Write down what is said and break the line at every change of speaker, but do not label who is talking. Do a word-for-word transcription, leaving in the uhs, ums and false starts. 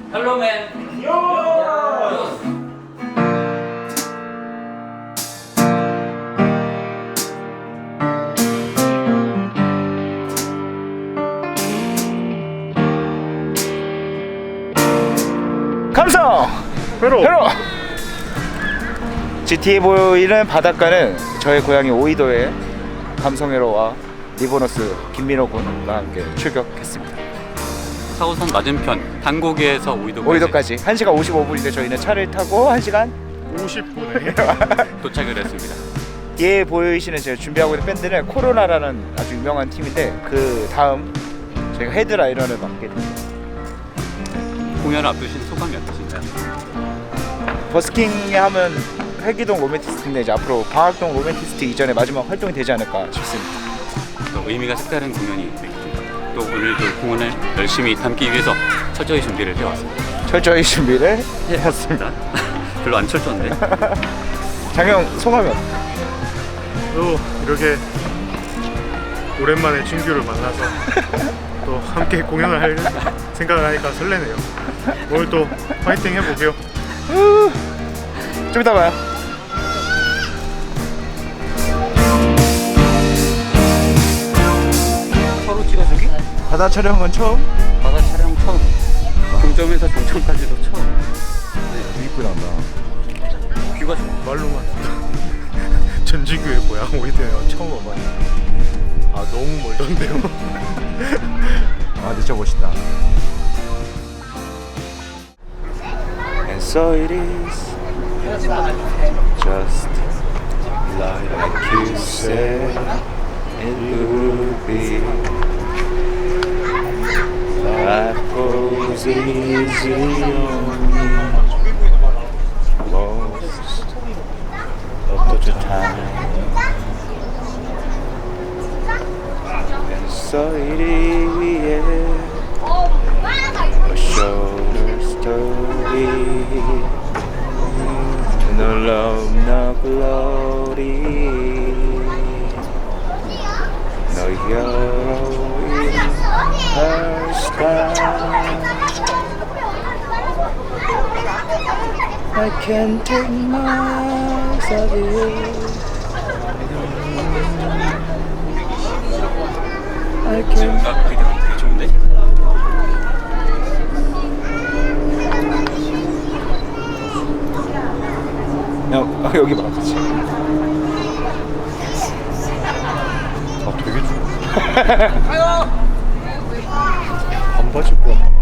Hello man. Yo.
감성!
회로!
회로! 지티에 보이는 바닷가는 저의 고향이 오이도의 감성회로와 리보너스 김민호 군과 함께 출격했습니다.
사호선 맞은편 단고개에서 오이도까지,
오이도까지 한 시간 오십오 분인데 저희는 차를 타고 한 시간
오십 분에
도착을 했습니다.
뒤에 보이시는 제가 준비하고 있는 밴드는 코로나라는 아주 유명한 팀인데 그 다음 저희가 헤드라이너를 맡게 됩니다.
공연을 앞두신 소감이 어떠신가요?
버스킹에 하면 회기동 로맨티스트인데 이제 앞으로 방학동 로맨티스트 이전에 마지막 활동이 되지 않을까 싶습니다.
또 의미가 색다른 공연이 되겠습니다. 또 오늘도 공연을 열심히 담기 위해서 철저히 준비를 해왔습니다.
철저히 준비를 해왔습니다.
별로 안 철저한데?
장영 소감이 어때요?
또 이렇게 오랜만에 진규를 만나서 또 함께 공연을 할 생각을 하니까 설레네요. 오늘 또 파이팅 해보게요.
좀 이따 봐요.
서로 찍어주기?
바다 촬영은 처음?
바다 촬영 처음. 종점에서 종점까지도 처음.
이쁘게 나온다.
뷰가 좋아.
말로만 전진규의 고향 오이도요 처음 와봐요. 아 너무 멀던데요.
아 근데 진짜 멋있다. And so it is just like you said it would be. Life goes easy on me most of the time. And so it is a shorter story. No love, no glory. No hero in her style. I can't take my eyes off you. I can't.
아, 되게, 되게 좋은데?
야, 여기 봐. 그치?
아 되게 좋아. 반바지 입고 왔나?